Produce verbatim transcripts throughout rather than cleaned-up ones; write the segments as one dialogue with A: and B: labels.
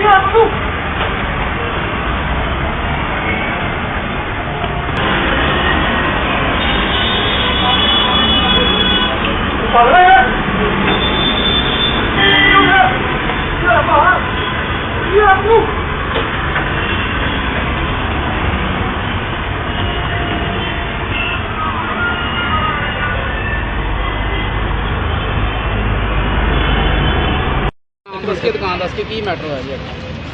A: इसके दुकान दस के की मैटर है जी?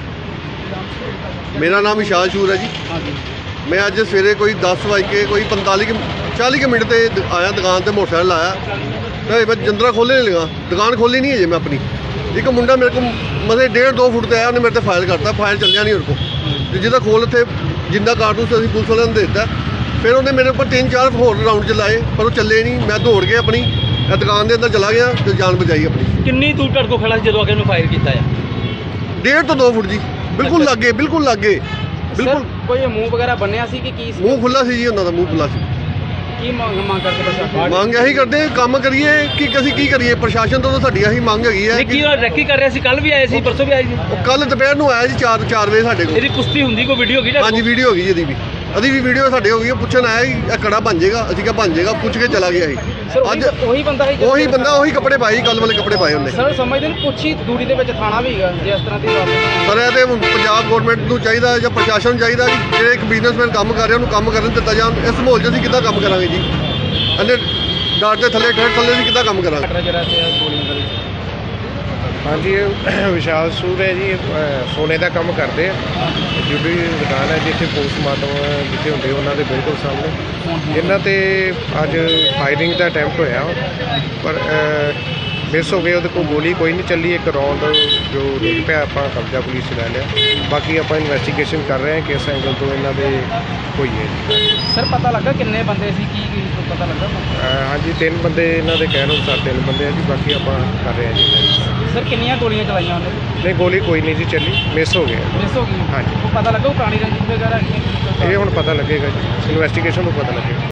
B: मेरा नाम विशाल शूर है जी।
A: हाँ जी।
B: मैं अज सवेरे कोई दस बज के कोई पंताली के चाली के मिनट से आया दुकान से मोटरसाइकिल आया तो मैं जंदरा खोलने नहीं लगा, दुकान खोली नहीं है जी मैं अपनी। एक मुंडा मेरे को मतलब डेढ़ दो फुट से आया, उन्हें मेरे से फायर करता, फायर चलिया नहीं उनको तो जिदा खोल थे जिंदा कारतूस अभी पुलिस वाले ने दे दिता। फिर उन्हें मेरे ऊपर तीन चार होर राउंड चलाए पर वो चले नहीं। मैं दौड़ के अपनी दुकान के अंदर चला गया तो जान बचाई अपनी।
A: कितनी दूर तक को खड़ा जो आगे फायर किया?
B: डेढ़ तो दो फुट जी, बिल्कुल लागे बिल्कुल लागे बिल्कुल।
A: कोई मुंह वगैरह बनया सी कि की
B: मूँह खुला सी जी, उन्होंने मुँह खुला सी।
A: की मांग मांग करके प्रशासन
B: ਮੰਗ ਇਹੀ ਕਰਦੇ ਕੰਮ ਕਰੀਏ ਕਿ ਅਸੀਂ ਕੀ ਕਰੀਏ, ਪ੍ਰਸ਼ਾਸਨ ਤੋਂ ਤਾਂ ਸਾਡੀ ਇਹੀ ਮੰਗ ਹੈਗੀ ਹੈ।
A: ਕੀ ਰੈਕੀ ਕਰ ਰਿਹਾ ਸੀ? ਕੱਲ ਵੀ ਆਏ ਸੀ, ਪਰਸੋਂ ਵੀ ਆਏ ਸੀ।
B: ਉਹ ਕੱਲ ਦੁਪਹਿਰ ਨੂੰ ਆਇਆ ਜੀ ਚਾਰ ਚਾਰ ਵਜੇ ਸਾਡੇ ਕੋਲ।
A: ਇਹਦੀ ਪੁਸ਼ਟੀ ਹੁੰਦੀ ਕੋਈ ਵੀਡੀਓ ਹੈਗੀ?
B: ਹਾਂਜੀ ਵੀਡੀਓ ਹੋ ਗਈ ਇਹਦੀ ਵੀ, ਅਦੀ ਵੀ ਵੀਡੀਓ ਸਾਡੇ ਹੋ ਗਈ। ਪੁੱਛਣ ਆਇਆ ਜੀ ਇਹ ਕੜਾ ਬਣ ਜਾਏਗਾ, ਅਸੀਂ ਕਿਹਾ ਬਣ ਜਾਏਗਾ, ਪੁੱਛ ਕੇ ਚਲਾ ਗਿਆ ਸੀ।
A: ਅੱਜ ਉਹੀ ਬੰਦਾ ਹੈ,
B: ਉਹੀ ਬੰਦਾ ਉਹੀ ਕੱਪੜੇ ਪਾਏ, ਕੱਲ ਵਾਲੇ ਕੱਪੜੇ ਪਾਏ ਉਹਨੇ।
A: ਸਰ ਸਮਝਦੇ ਨੇ ਕੁਛ ਹੀ ਦੂਰੀ ਦੇ ਵਿੱਚ ਥਾਣਾ ਵੀ ਹੈਗਾ ਜੇ ਇਸ ਤਰ੍ਹਾਂ ਦੀ ਗੱਲ ਹੈ।
B: ਸਰ ਇਹ ਤੇ ਪੰਜਾਬ ਗਵਰਨਮੈਂਟ ਨੂੰ ਚਾਹੀਦਾ ਜਾਂ ਪ੍ਰਸ਼ਾਸਨ ਨੂੰ ਚਾਹੀਦਾ ਕਿ ਜਿਹੜੇ ਇੱਕ ਬਿਜ਼ਨਸਮੈਨ ਕੰਮ ਕਰ ਰਿਹਾ ਉਹਨੂੰ ਕੰਮ ਕਰਨ ਦਿੱਤਾ ਜਾਣ। ਇਸ ਮਾਹੌਲ 'ਚ ਅਸੀਂ ਕਿੱਦਾਂ ਕੰਮ ਕਰਾਂਗੇ ਜੀ? ਅੰਨੇ ਡਾਟ ਦੇ ਥੱਲੇ ਠੇਠ ਥੱਲੇ ਅਸੀਂ ਕਿੱਦਾਂ ਕੰਮ ਕਰਾਂਗੇ?
C: ਹਾਂਜੀ ਵਿਸ਼ਾਲ ਸੂਰ ਹੈ ਜੀ, ਸੋਨੇ ਦਾ ਕੰਮ ਕਰਦੇ ਆ। ਜਿਹੜੀ ਦੁਕਾਨ ਹੈ ਜਿੱਥੇ ਪੋਸਟਮਾਰਟਮ ਜਿੱਥੇ ਹੁੰਦੇ ਉਹਨਾਂ ਦੇ ਬਿਲਕੁਲ ਸਾਹਮਣੇ ਇਹਨਾਂ ਤੇ ਅੱਜ ਫਾਇਰਿੰਗ ਦਾ ਅਟੈਂਪਟ ਹੋਇਆ ਪਰ ਮਿਸ ਹੋ ਗਏ। ਉਹਦੇ ਕੋਲ ਗੋਲੀ ਕੋਈ ਨਹੀਂ ਚੱਲੀ, ਇੱਕ ਰੌਂਡ ਜੋ ਡਿੱਗ ਪਿਆ। ਆਪਾਂ ਕਬਜ਼ਾ ਪੁਲਿਸ 'ਚ ਲੈ ਲਿਆ। ਬਾਕੀ ਆਪਾਂ ਇਨਵੈਸਟੀਗੇਸ਼ਨ ਕਰ ਰਹੇ ਹਾਂ ਕਿਸ ਐਂਗਲ ਤੋਂ ਇਹਨਾਂ ਦੇ ਹੋਈ ਹੈ ਜੀ।
A: ਸਰ ਪਤਾ ਲੱਗਾ ਕਿੰਨੇ ਬੰਦੇ ਸੀ? ਕੀ ਕੀ ਪਤਾ ਲੱਗਾ?
C: ਹਾਂਜੀ ਤਿੰਨ ਬੰਦੇ ਇਹਨਾਂ ਦੇ ਕਹਿਣ ਅਨੁਸਾਰ ਤਿੰਨ ਬੰਦੇ ਆ ਜੀ। ਬਾਕੀ ਆਪਾਂ ਕਰ ਰਹੇ ਹਾਂ ਜੀ।
A: ਸਰ ਕਿੰਨੀਆਂ ਗੋਲੀਆਂ ਚਲਾਈਆਂ ਉਹਨੇ?
C: ਨਹੀਂ ਗੋਲੀ ਕੋਈ ਨਹੀਂ ਜੀ ਚੱਲੀ, ਮਿਸ ਹੋ ਗਿਆ।
A: ਮਿਸ ਹੋ ਗਈ?
C: ਹਾਂਜੀ।
A: ਉਹ ਪਤਾ ਲੱਗਾ ਉਹ ਪੁਰਾਣੀ ਰੰਜਿਸ਼ ਵਗੈਰਾ ਹੈਗੀ?
C: ਇਹ ਹੁਣ ਪਤਾ ਲੱਗੇਗਾ ਜੀ, ਇਨਵੈਸਟੀਗੇਸ਼ਨ ਤੋਂ ਪਤਾ ਲੱਗੇਗਾ।